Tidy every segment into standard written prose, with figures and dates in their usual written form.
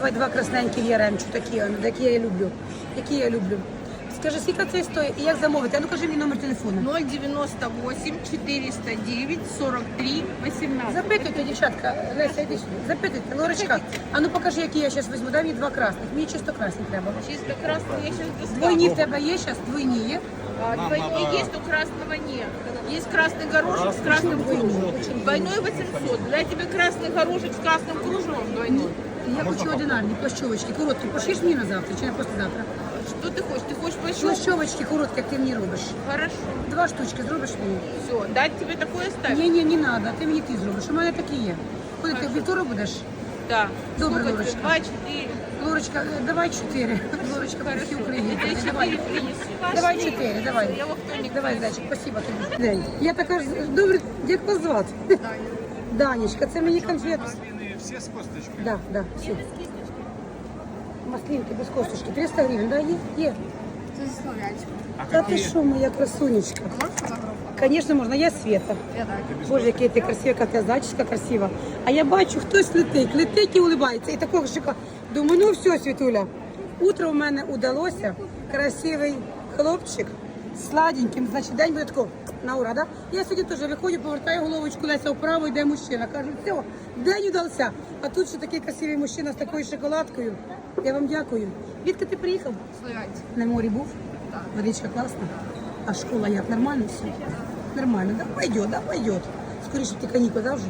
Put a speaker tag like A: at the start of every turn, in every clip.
A: Давай два красненькі яремчу, такі я люблю. Які я люблю. Скажи, скільки це стоїть і як замовити? А ну кажи мені номер телефону.
B: 098 409 43 18.
A: Запитуйте, дівчатка, Леся, йди сюди. Запитуйте, Лорочка. А ну покажи, які я зараз візьму. Дай мені два красних. Мені чисто красні треба.
B: Чисто красный я сейчас достану.
A: Двойні в тебе є зараз? Двойні є?
B: Двойной есть, но красного нет. Есть красный горошек с красным кружевом. Двойной 800. Для тебя красный горошек с красным кружевом двойной.
A: Я хочу одинарні плащовочки, короткі. Пошиш мені на завтра чи на послезавтра?
B: Что ты хочешь? Ты хочешь пощупать?
A: Плащовочки короткі, як ти мені робиш.
B: Хорошо.
A: Два штучки зробиш мені?
B: Все, дать тебе такое ставить?
A: Ні, не треба, ти мені зробиш. У мене такі є. Коли ти вівторок будеш?
B: Да.
A: Добре,
B: Сколько
A: Лорочка.
B: тебе? 2, 4.
A: Лорочка, давай 4. Лорочка, по всій Україні.
B: Я тебе 4 принесу.
A: Давай 4, давай.
B: Я во вторник
A: Давай,
B: принесу.
A: зайчик, спасибо тобі. День. Я така ж, добре, як вас звати? Данечка, це мені конфет.
C: Все с косточкой.
A: Да, все. Маслинки без косточки, 300 гривень, да, є? Є.
D: Це зі Слов'янська.
A: Та ти що, моя красунечка?
D: Можеш фотографувати?
A: Звісно, можна, я Света.
D: Я так.
A: Боже, яка ти красива, яка ти зайчика красива. А я бачу, хтось летить і улибається. І такого шика. Думаю, ну все, Світуля. Утро в мене удалося. Красивий хлопчик, сладеньким. Значить, день буде такого на ура, да? Я сьогодні теж виходжу, повертаю головочку, Леся вправо, йде мужчина. Кажу, все, день удався. А тут ще такий красивий мужчина з такою шоколадкою. Я вам дякую. Звідки ти приїхав?
D: Слов'янська.
A: На морі був?
D: Так.
A: Водичка класна. А школа як? Нормально все? Нормально, да? Пойдет. Скоріше ти канікули, да, вже?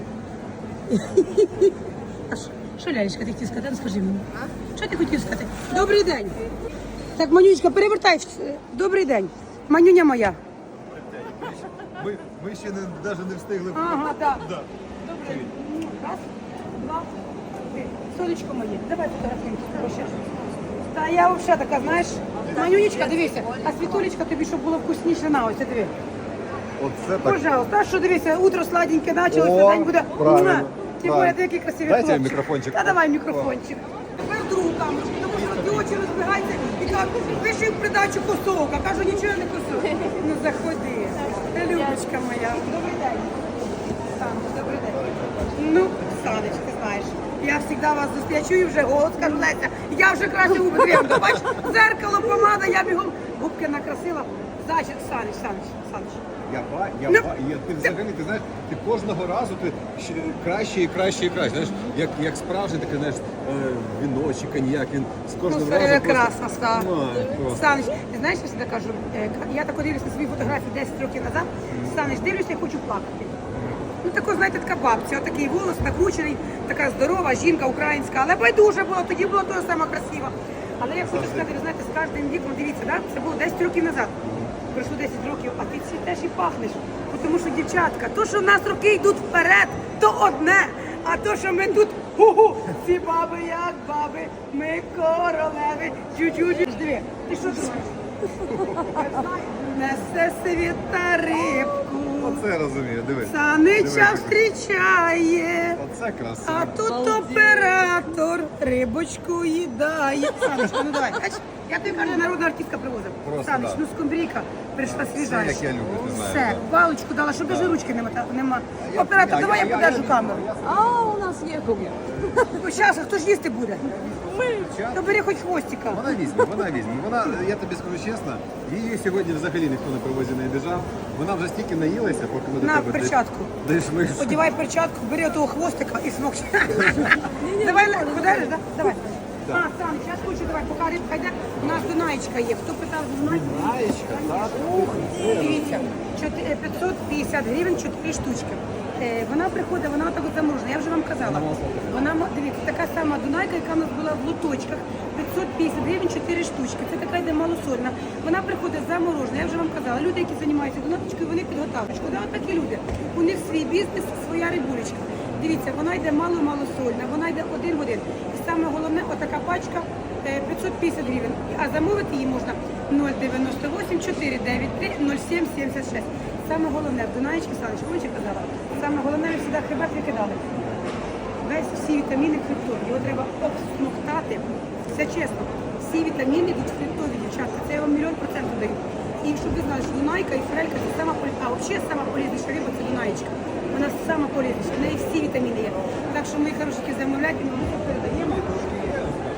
A: А що, Лялечка, ти хотів сказати? Ну, скажи мені. Що ти хотів сказати? Добрий день. Так, Манюнечка, перевертай. Добрий день. Манюня моя.
C: Ми ще навіть не встигли.
A: Ага, так.
C: Да.
A: Добрий. Раз, два, три. Сонечко моє, давай фотографуємося. Та я взагалі така, знаєш, Манюнечка, дивися, а Світулечка тобі, щоб було вкусніше, на ось, диви.
C: Оце так.
A: Пожалуйста, а що дивися, утро сладеньке почалося,
C: О,
A: день буде.
C: правильно,
A: Муа. Тим
C: правильно.
A: більше, який красивий
C: Дайте я
A: хлопчик.
C: мікрофончик.
A: Та давай мікрофончик. Тепер другу камеру, тому що ті очі розбігаються і кажуть, пиши в придачу косок, а кажу, нічого не косок. Ну заходи, Любочка моя. Добрий день. Саныч, добрий день. Ну, Саныч, ти знаєш, я завжди вас зустрічаю, я чую вже голос, кажу, Леся, я вже краще губи трем. Бач, зеркало, помада, я бігом губки накрасила. Значить, Саныч.
C: Ти взагалі, ти знаєш, ти кожного разу ти краще і краще. Знаєш, як справжній такий, знаєш, віно чи коньяк, він з кожним разом
A: Прекрасно став.
C: просто.
A: Саныч, ти знаєш, я завжди кажу, я так дивлюся на свої фотографії 10 років назад, Саныч, дивлюся, я хочу плакати. Ну, тако, знаєте, така бабця, отакий волос, накручений, така здорова жінка українська, але байдуже було, тоді було того саме красиво. Але я хочу сказати, ви знаєте, з кожним віком, дивіться, да? Це було 10 років назад. Пройшло 10 років, а ти цвітеш і пахнеш. Тому що, дівчатка, то, що в нас роки йдуть вперед, то одне. А то, що ми тут, ці баби як баби, ми королеви, чуть-чуть. Диви, ти що думаєш? Несе світа рибку,
C: Оце розумію, дивись.
A: Санича зустрічає.
C: Оце красиво.
A: А тут оператор рибочку їдає. Саночка, ну давай. Бач, я тобі кажу, народна артистка привозив.
C: Просто,
A: Саныч,
C: да.
A: ну скумбрійка прийшла свіжа.
C: Все, як я люблю, ти знаєш.
A: Все, паличку дала, щоб даже ручки нема. Оператор, давай я подержу камеру.
D: А у нас є куб'я.
A: Зараз, хто ж їсти буде? То бери хоч хвостика.
C: Вона візьме. Вона, я тобі скажу чесно, її сьогодні взагалі ніхто на привозі не обіжав. Вона вже стільки наїлася, поки ми до
A: На
C: тебе
A: перчатку.
C: дійшли.
A: Одівай перчатку, бери отого хвостика і смокчи. Давай, подержиш, да? Давай. А, Саныч, я хочу, давай, поки рибка йде, у нас Дунаєчка є. Хто питав Дунаєчка?
C: Дунаєчка, так.
A: Ух, дивіться, 550 гривень 4 штучки. Вона приходить, вона отак от заморожена, я вже вам казала. Вона, дивіться, така сама Дунайка, яка в нас була в лоточках. 550 гривень 4 штучки. Це така йде малосольна. Вона приходить заморожена, я вже вам казала. Люди, які займаються Дунайкою, вони підготовочку. Да, от такі люди. У них свій бізнес, своя рибулечка. Дивіться, вона йде мало-малосольна, вона йде один в один. І саме головне, отака пачка 550 гривень. А замовити її можна 098 493 0776. Саме головне, в Дунаєчки, Саныч, помните, казала? Саме головне, ви завжди хребет викидали. Весь всі вітаміни фруктові. Його треба обсмоктати. Все чесно. Всі вітаміни йдуть фруктові, дівчатка. Це я вам 100% даю. І щоб ви знали, що Дунайка і форелька це сама полезна. А взагалі сама полезніша риба це Дунаєчка. Вона сама полезніша. В неї всі вітаміни є. Так що, мої хороші, замовляйте, ми передаємо.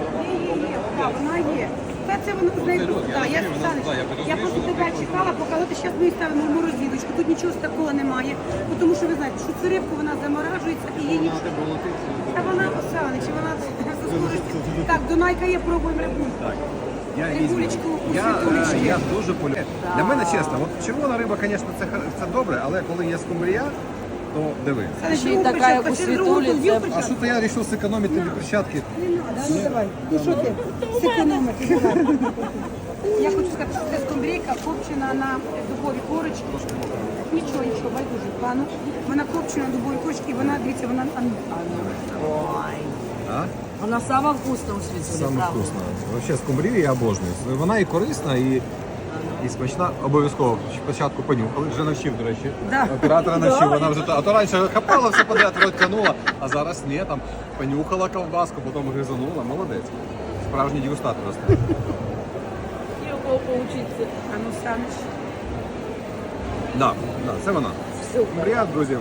A: Так, вона є. Та це воно з нею. Так, я Саныч, я просто тебе чекала, поки от зараз ми її ставимо в морозилочку. Тут нічого такого немає. Ну, тому що ви знаєте, що цю рибку вона заморажується і її нічого. Та вона Саныч, вона зі скоростю. Так, Дунайка є, пробуємо рибульку.
C: Я
A: Рибулечку у
C: я
A: світулечки.
C: дуже полюбляю. Для мене чесно, от червона риба, звісно, це добре, але коли є скумбрія, то диви.
A: Саныч,
D: Ще й
A: ну,
D: така, як у
A: хочеш другу
D: світулі,
A: тут є
D: це-
C: А
A: перчатку?
C: що то я вирішив зекономити тобі перчатки?
A: Не надо, ну давай. Ну що ти? Зекономити. Давай. Я хочу сказати, що це скумбрійка копчена на дубовій корочці. Нічого, байдуже пану. Вона копчена на дубовій корочці і вона, дивіться, вона...
D: Ой.
C: А?
D: Вона сама вкусна у світі.
C: Саме
D: правда.
C: вкусно. Взагалі скумбрію я обожнюю. Вона і корисна, і смачна. Обов'язково спочатку понюхали. Вже навчив, до речі.
A: Да.
C: Оператора навчив. Вона вже а то раніше хапала все подряд, рот тянула, а зараз ні, там понюхала ковбаску, потім гризанула. Молодець. Справжній дегустатор просто.
D: Є у кого поучитися.
A: А ну, Саныч.
C: Да, це вона. Скумбрія, друзі.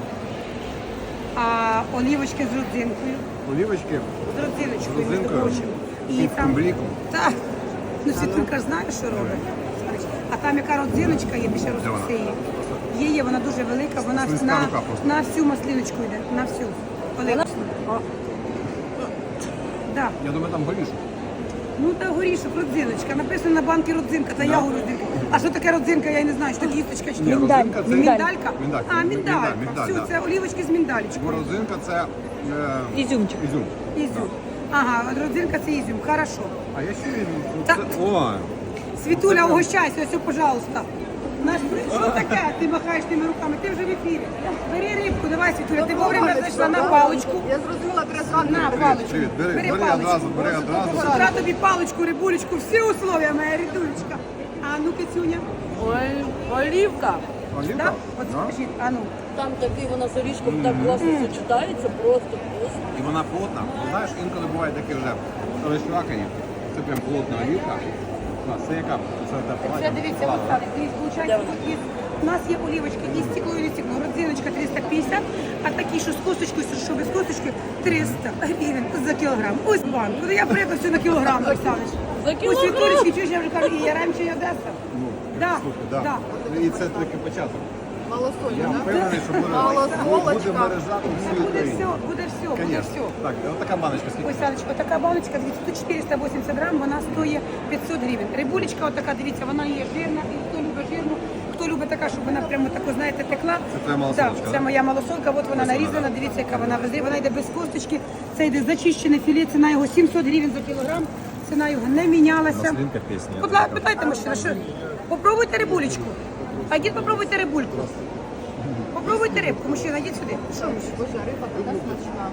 A: А олівочки з родзинкою.
C: Олівочки.
A: З родзиночкою,
C: З
A: між
C: родзинкою.
A: прочим.
C: І
A: І там...
C: скумбрійку.
A: Так. Ну, Світулька ж знає, що робить. А там яка родзиночка є, більше
C: Де вона?
A: розписи її. Є, вона дуже велика, вона
C: Слизька
A: на,
C: рука просто.
A: на всю маслиночку йде, на всю. Олівочку. Да.
C: Я думаю, там горішок.
A: Ну та горішок, родзиночка. Написано на банки родзинка, та я говорю родзинка. А що таке родзинка, я не знаю, що таке кісточка чи
C: Ні,
A: ні.
C: родзинка це-
A: Міндалька?
C: Міндалька.
A: А, міндалька.
C: Міндаль,
A: Все,
C: да.
A: це олівочки з міндалечкою.
C: Борозинка це
D: Ізюмчик.
C: ізюм.
A: Ізюм. Ага, родзинка це ізюм, хорошо.
C: А я ще він.
A: Та-
C: О,
A: Світуля, угощайся, ось, пожалуйста. Наш що таке? Ти махаєш тими руками, ти вже в ефірі. Бери рибку, давай, Світуля, ти вовремя зайшла на паличку.
D: Я зрозуміла, якраз
A: На паличку.
C: привіт, бери
A: паличку.
C: одразу, бери одразу.
A: З утра тобі паличку, рибулечку, всі условия, моя рідулечка. А ну, Кицюня.
D: Ой, олівка.
C: Олівка?
A: Да? От
C: Да.
A: скажіть, а ну.
D: Там такий вона з орішком так класно сочетається, просто вкусно.
C: І вона плотна. Ти знаєш, інколи буває такі вже розчвакані. Це прям плотна олівка. Це яка? Це
A: Це дивіться, от так, дивіться, виходить, тут є, у нас є олівочки і стекло, і не стекло. Родзиночка 350, а такі, що з косточкою, що без косточки, 300 гривень за кілограм. Ось банк. Куди я приїхав все на кілограм, Оксанич.
D: За
A: Ось
D: кілограм?
A: Світулечки, чуєш, я вже кажу, і Яремче, і Одеса.
C: Ну,
A: Да,
C: слухай, да.
A: да.
C: І це тільки початок.
D: Малосольна,
C: Я впевнений, що буде мережа у всій
A: Буде
C: Україні.
A: все, буде все, буде
C: Конечно.
A: все.
C: Так, от така баночка скільки?
A: Ось, Саночка, така баночка, дивіться, тут 480 грам, вона стоїть 500 гривень. Рибулечка отака, дивіться, вона є жирна, і хто любить жирну, хто любить така, щоб вона прямо таку, знаєте, текла.
C: Це твоя малосолочка,
A: Це
C: да?
A: моя малосолка, от вона нарізана, дивіться, яка вона везе, вона йде без косточки, це йде зачищене філе, ціна його 700 гривень за кілограм, ціна його не мінялася.
C: Маслинка пісня.
A: Будь ласка, питайте мужчина, що? Попробуйте рибулечку. А йдіть попробуйте рибульку. Попробуйте рибку, мужчина, йдіть сюди. Що, мужчина?
D: Боже, риба така смачна.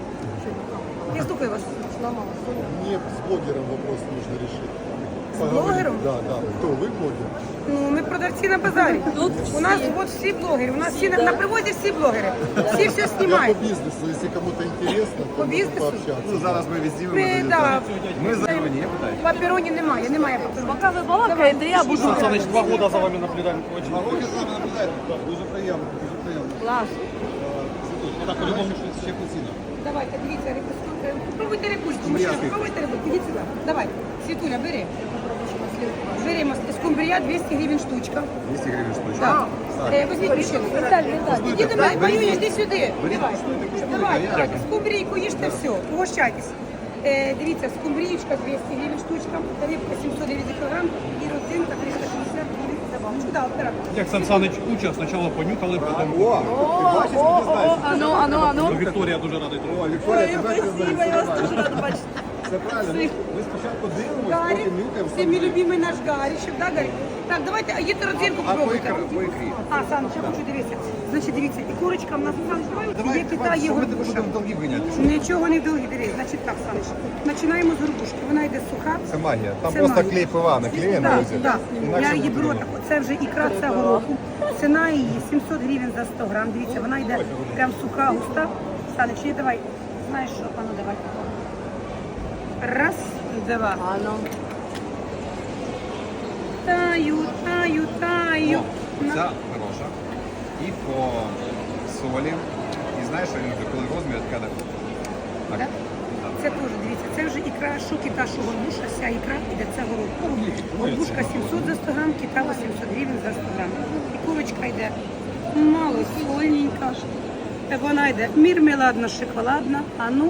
A: Я слухаю вас.
E: Мне с блогером вопрос нужно решить.
A: блогером?
E: Да, да. Кто, вы блогер?
A: Ну, ми продавці на базарі.
D: Тут
A: У нас
D: всі.
A: от всі блогери, у нас всі на привозі всі блогери. Всі все
E: Я
A: знімають.
E: по бизнесу, если кому-то интересно,
A: По
E: то можно
A: бизнесу?
E: пообщаться.
C: Ну, зараз ми відзнімемо.
A: Ми,
C: тоді,
A: да.
C: так. Ми за мені питаю.
A: Папероні немає, немає папероні.
D: Поки ви балакаєте, я буду.
F: Саныч, 2 года за вами наблюдаем. Очень
C: Роки з вами наблюдають. Дуже приємно, дуже приємно.
D: Клас.
C: Так, по-любому, ще постійно.
A: Давайте, дивіться, попробуйте рибульку, мужчина, попробуйте рибульку, ідіть сюди. Давай, Світуля, бери. Бери скумбрія 200 гривень штучка.
C: 200 гривень штучка.
A: Так. Візьміть мужчину. Іди до мене, Маюня, йди сюди. Давай, давай, скумбрійку їжте все, угощайтесь. Дивіться, скумбрієчка 200 гривень штучка, рибка 700 гривень за кілограм і родзинка 360 гривень за баночку. Да, оператор.
F: Як Сан Саныч уча, спочатку понюхали, потім...
C: О, ти бачиш, ти знаєш.
D: Ану.
F: Ну, Вікторія дуже радий.
C: О, Вікторія, тебе
D: Спасибо, я вас дуже рада бачити.
C: Це правильно. Ми спочатку дивимося,
A: Гарі,
C: потім нюхаємо.
A: це мій любимий наш Гарішев, да, Гарі? Так, давайте, а їдьте родзинку
C: А по
A: попробуйте.
C: ікрі?
A: А, Саныч, я хочу дивитися. Значить, дивіться, і курочка в нас, Саныч,
C: Давай,
A: є кита, є
C: що ми тебе
A: горбуша.
C: будемо довгі ганяти?
A: Нічого не довгі, дивись. Значить так, Саныч, починаємо з горбушки. Вона йде суха.
C: Це магія. Там
A: Це
C: просто
A: магія.
C: клей ПВА наклеєно.
A: Так,
C: ось.
A: так.
C: Інакше
A: Я її
C: буде
A: беру
C: воно.
A: так. Це вже ікра цього року. Ціна її 700 гривень за 100 грам. Дивіться, вона йде прям суха, густа. Саныч, і давай. Знаєш що, пану, давай. Раз, два.
D: Ану.
A: Таю.
C: Ця хороша. І по солі. І знаєш, що я люблю, коли розмір така. Так.
A: Да?
C: Так.
A: це теж, дивіться, це вже ікра, що кита, що горбуша, вся ікра іде, це горобка. Горбушка 700 за 100 грам, кита 800 гривень за 100 грам. І курочка йде мало сольненька. Вона йде мірмеладна, шоколадна, а ну.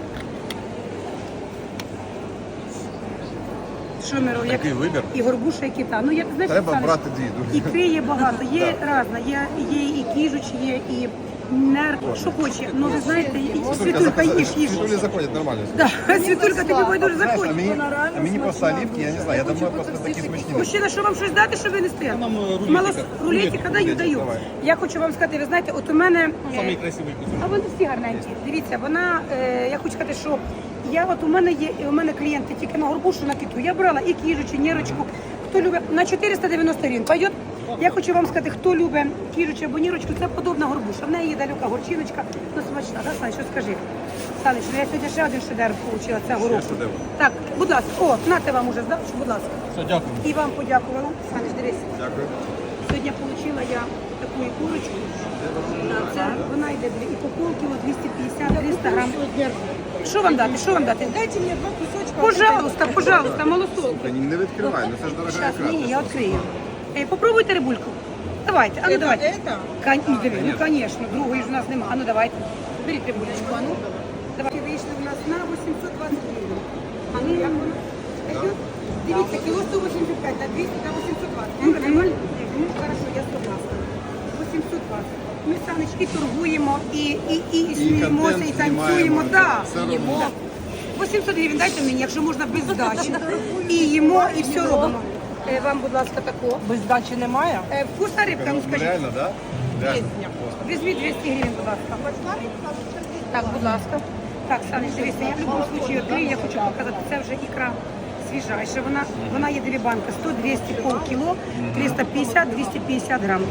A: Що ми робимо?
C: Такий вибір.
A: І горбуша, і кита. Ну, як, знаєш,
C: Треба
A: Оксана,
C: брати дві, дуже.
A: ікри є багато, є різна, є і кіжучі, є і нер, що хоче. Ну, ви знаєте, Світулька, їж.
C: Світулі заходять нормально.
A: Да, Світулька, тобі буде дуже
E: Знаешь,
A: заходить.
E: а мені просто оливки, я не знаю, я думаю, просто такі смачні.
A: Мужчина, що вам щось дати, щоб ви не стояли?
F: Нам рулетика.
A: Мало рулетика даю.
E: давай.
A: Я хочу вам сказати, ви знаєте, от у мене...
F: Самий красивий кусок.
A: А вони всі гарненькі. Дивіться, вона, я хочу сказати, що у мене клієнти тільки на горбушу, на киту. Я брала і кіжучу, нірочку. Хто любить, на 490 гривень пойдет. Я хочу вам сказати, хто любить кіжучу або нірочку, це подобна горбуша. В неї є далека горчиночка, ну смачна. Да, Саныч, що скажи? Саныч, ну я сьогодні ще один шедевр отримала, це горобку.
C: шедевр.
A: Так, будь ласка, о, нате вам уже здав, будь ласка.
F: Все, дякую.
A: І вам подякувала. Саныч, дивись.
C: Дякую.
A: Сьогодні отримала я таку курочку. Це вона йде і по полкіло 250-300 грам. Що вам дати? Що вам дати? Дайте мені два кусочка. Пожалуйста, малосолку.
C: Та не відкривай, ну це ж дорога
A: Сейчас,
C: ікра.
A: ні, я відкрию. Попробуйте рибульку. Давайте, а ну давайте. Ну, конечно, другої ж у нас нема. А ну давайте. Беріть рибулечку, а ну. Давайте вийшли у нас на 820 гривень. А ну як воно? Пойдет? Дивіться, кіло 185, на 200, на 820. Нормально? Ну, хорошо, я согласна. 820. Ми, Саныч, і торгуємо, і сміємося, і
C: контент
A: танцюємо.
C: знімаємо,
A: Да.
C: все робимо.
A: 800 гривень дайте мені, якщо можна без здачі. І їмо, і все робимо. Вам, будь ласка, тако.
D: Без здачі немає?
A: Вкусна рибка, ну скажіть.
C: Реально, так? Реально.
A: Візьміть 200 гривень, будь ласка. Так, будь ласка. Так, Саныч, дивіться, я в будь-якому випадку відкрию, я хочу показати, це вже ікра свіжайша. Вона є дві банки, 100-200 полкіло, 350-250 грам.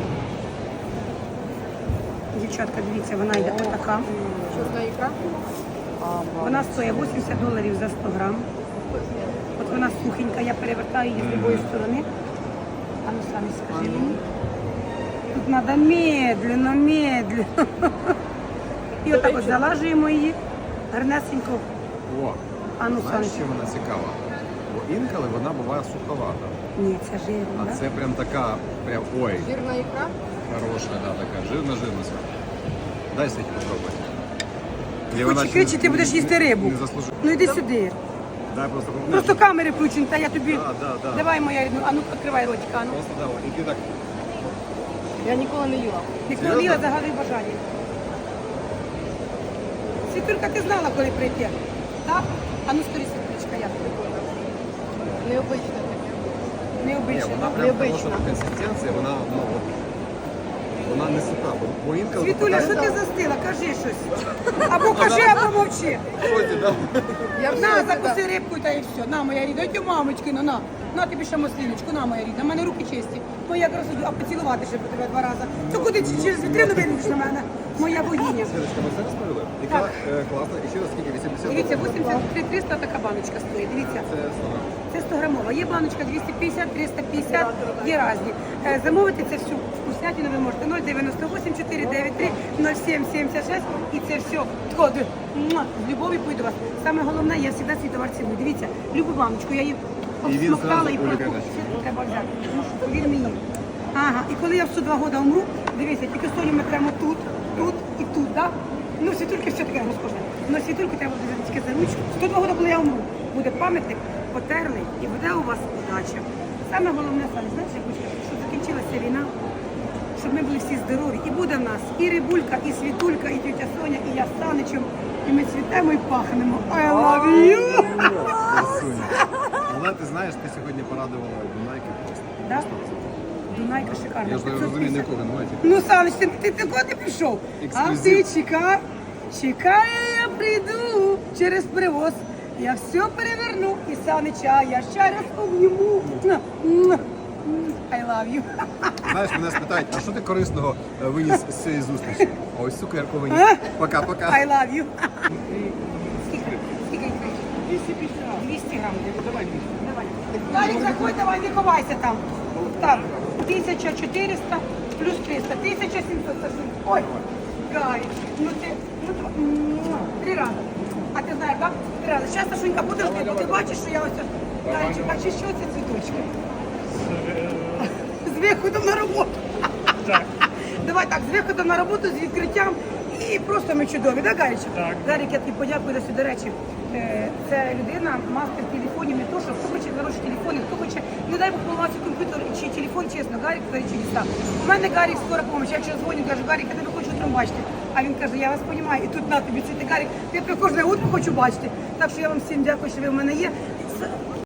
A: Дівчатка, дивіться, вона йде отака.
B: Чорна ікра.
A: Вона стоїть $80 за 100 грам. От вона сухенька, я перевертаю її з любої сторони. А ну самі скажи мені. Тут треба медленно. І отак от залажуємо її гарнесенько.
C: О,
A: А ну,
C: знаєш,
A: Саныч.
C: що вона цікава? Бо інколи вона буває суховата.
A: Ні, це жирно,
C: А
A: да?
C: це прям така, прям, ой,
B: Жирна ікра.
C: хороша, да, така, жирна. Дай Світі попробувати. І
A: Хоче кричи, ти будеш їсти рибу.
C: Не заслужив.
A: Ну йди сюди.
C: Дай просто
A: Просто камери включені, та я тобі.
C: Да.
A: Давай, моя рідну. А ну відкривай ротика. А ну.
C: Просто да, і ти так.
D: Я ніколи не їла.
A: Ніколи не їла, загадуй бажання. Світулька, ти знала, коли прийти? Так? А ну скорі, Світулечка, як тобі?
B: Необычне таке.
C: Ні,
A: Необично.
C: вона прям хороша консистенція, вона, ну, от, вона не суха, бо інколи...
A: Світуля, що ти застила? Кажи щось. Або кажи, або мовчи. На, закуси рибку та і все. На, моя рідна, ой, мамочки, на. На тобі ще маслиночку, на, моя рідна. У мене руки чисті. Моя якраз, а поцілувати ще по тебе 2 рази. То куди через вітрину вийдеш на мене? Моя богиня.
C: Світочка, ми все розповіли? Яка класна, і ще раз скільки? 80
A: Дивіться,
C: доларів?
A: 83-300 така баночка стоїть. Дивіться.
C: Це 100 грам.
A: Це 100 грамова. Є баночка 250, 350, є різні. Замовити це всю вкуснятину ви можете 098 493 0776 і це все з любов'ю пойду вас. Саме головне, я завжди свій товар ціную. Дивіться, любу баночку, я її
C: І він
A: обсмоктала
C: зразу
A: і
C: Олі
A: просто
C: каже.
A: треба взяти. Тому що повір мені. Ага, і коли я в 102 роки умру, дивіться, тільки столі ми прямо тут і тут, так? Ну, світульки все таке розкошне. Но світульку треба буде взяти тільки за ручку. 102 роки, коли я умру, буде пам'ятник, потерли і буде у вас удача. Саме головне, Саня, знаєш, я хочу сказати, щоб закінчилася війна, щоб ми були всі здорові. І буде в нас і Рибулька, і Світулька, і тетя Соня, і я з Саничем. І ми цвітемо і пахнемо. I love you!
C: Красуня. Але ти знаєш, ти сьогодні порадувала Дунайки просто.
A: Да? Дунайка шикарна.
C: Я ж не розумію, на якого немає.
A: Ну, Саныч, ти куди пішов? А ти чекай, я прийду через привоз. Я все переверну і Санича я ще раз обніму. I love you.
C: Знаєш, мене спитають, а що ти корисного виніс з цієї зустрічі? А ось цукерку виніс. Пока-пока.
A: I love you. Скільки? Скільки? 250. 200 грам. Давай 200. Давай. Далік, заходь, давай, не ховайся там. Так, 1400 плюс 300. 1700. Ой, Гарі, ну ти, 3 рази. А ти знаєш, так? Зараз, Сашунька, подожди, бо ти бачиш, що я ось... Гарчик, а чи що це цвіточки? З виходом на роботу. Давай так, з виходом на роботу, з відкриттям. І просто ми чудові, так, Гарічок?
F: Так.
A: Гарік, я тобі подякую за все. До речі, це людина, мастер телефонів, не то, що хто хоче хороші телефони, хто хоче, не дай Бог поламався комп'ютер чи телефон, чесно, Гарік творить чудеса. У мене Гарік скоро помощь. Я вчора дзвоню, кажу, Гарік, я тебе хочу утром бачити. А він каже, я вас розумію, і тут на тобі цвіти, Гарік, я тебе кожне утро хочу бачити. Так що я вам всім дякую, що ви в мене є.